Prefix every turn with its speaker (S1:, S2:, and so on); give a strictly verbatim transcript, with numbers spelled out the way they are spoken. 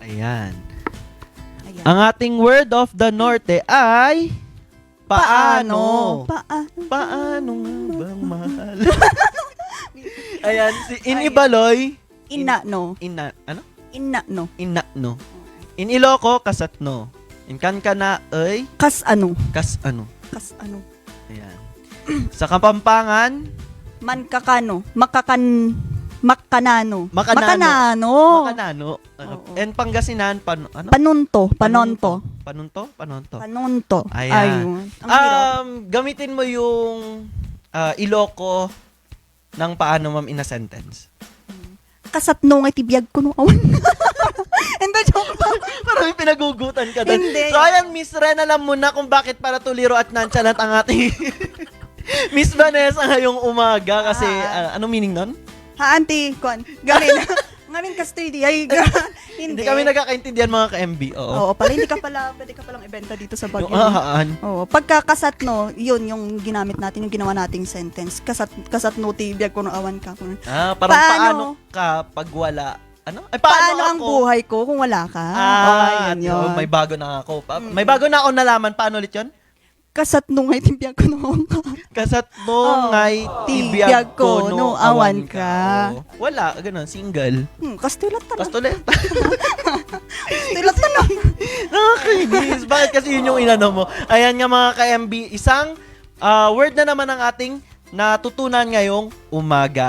S1: Ayan.
S2: Ayan.
S1: Ang ating word of the norte ay paano.
S2: Paano?
S1: Paano nga bang mahal? Ayan, si Inibaloy.
S2: Ina, no.
S1: Ina, ano?
S2: Ina, no.
S1: Ina, no. In Iloco, kasat no. In Kankana, ay,
S2: Kas ano?
S1: kas ano.
S2: Kas ano?
S1: Ayan. Sa Kapampangan,
S2: Man kakano? Makakan... Makanano.
S1: Makanano.
S2: Makanano.
S1: Makanano. Ano?
S2: Oo.
S1: And Pangasinan, pan, ano?
S2: Panunto. Panonto.
S1: Panunto? Panonto.
S2: Panunto.
S1: Ayan.
S2: Ayun. Ang hirap.
S1: Um, gamitin mo yung ah, Iloco ng paano, ma'am, in a sentence.
S2: Kasatno nga tibiyag ko no awan. Hindi, joke lang.
S1: Parang may pinagugutan ka doon.
S2: Hindi.
S1: So, ayan, Miss Ren, alam mo na kung bakit para tuliro at nonchalant ang ating Miss Vanessa ngayong umaga kasi,
S2: Ah.
S1: ah, anong meaning nun?
S2: Ha, auntie, kuan. Gamin. Ngamin custody. Ay, ga.
S1: Hindi
S2: Hindi.
S1: kami nagkakaintindihan mga ka-M B. Oo.
S2: Oo, pala hindi ka pala, pwede ka palang ibenta dito sa Baguio.
S1: Yung ahaan.
S2: Oo, pagkakasat no, yun yung ginamit natin, yung ginawa nating sentence. Kasat kasat no tibiyag ko no awan ka. Kung,
S1: Ah, parang paano,
S2: Paano?
S1: ka pag wala? Ano? Ay, paano,
S2: paano ang
S1: ako?
S2: buhay ko kung wala ka?
S1: Ah,
S2: yun yun.
S1: may bago na ako. Pa-
S2: Mm.
S1: May bago na ako nalaman. Paano ulit yun?
S2: Kasat no ngay tibiyag ko no awan ka.
S1: Kasat mo
S2: Oo.
S1: ngay
S2: Tibiyag
S1: tibiyag
S2: ko,
S1: ko
S2: no
S1: no
S2: awan
S1: awan
S2: ka.
S1: ka. Oo. Wala, ganun, single.
S2: Hmm, kastilat ta.
S1: Kastulit.
S2: Kastilat ta na.
S1: Nakakainis. Bakit kasi yun yung inano mo? Ayan nga mga ka-M B, isang ah, word na naman ang ating natutunan ngayong umaga.